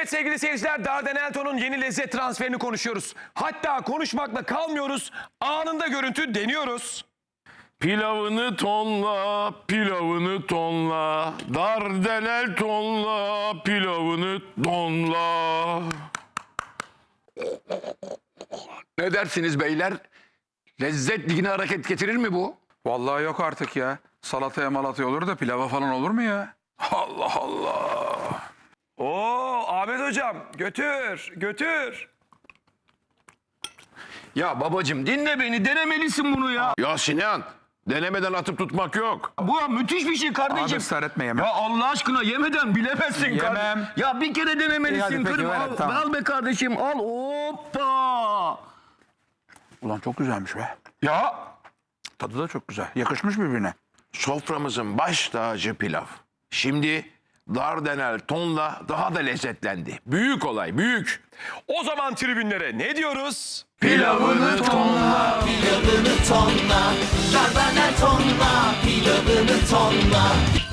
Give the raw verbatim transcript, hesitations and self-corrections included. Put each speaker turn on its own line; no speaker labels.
Evet sevgili seyirciler, Dardanelto'nun yeni lezzet transferini konuşuyoruz. Hatta konuşmakla kalmıyoruz, anında görüntü deniyoruz.
Pilavını tonla, pilavını tonla, Dardaneltonla, pilavını tonla.
Ne dersiniz beyler? Lezzet ligine hareket getirir mi bu?
Vallahi yok artık ya. Salataya malataya olur da pilava falan olur mu ya? Allah Allah.
Oo Ahmet hocam, götür, götür.
Ya babacım dinle beni, denemelisin bunu ya.
Ya Sinan, denemeden atıp tutmak yok.
Bu müthiş bir şey kardeşim.
Abi ısrar etme, yemem.
Ya Allah aşkına yemeden bilemezsin
Yemem.
kardeşim. Ya bir kere denemelisin.
İyi, hadi peki,
kırma.
ver,
al,
tamam.
al be kardeşim, al. Hoppa.
Ulan çok güzelmiş be. Ya tadı da çok güzel. Yakışmış birbirine.
Soframızın baş tacı pilav. Şimdi Dardaneltonla daha da lezzetlendi. Büyük olay, büyük.
O zaman tribünlere ne diyoruz?
Pilavını tonla.
Pilavını tonla, Dardanel tonla, pilavını tonla.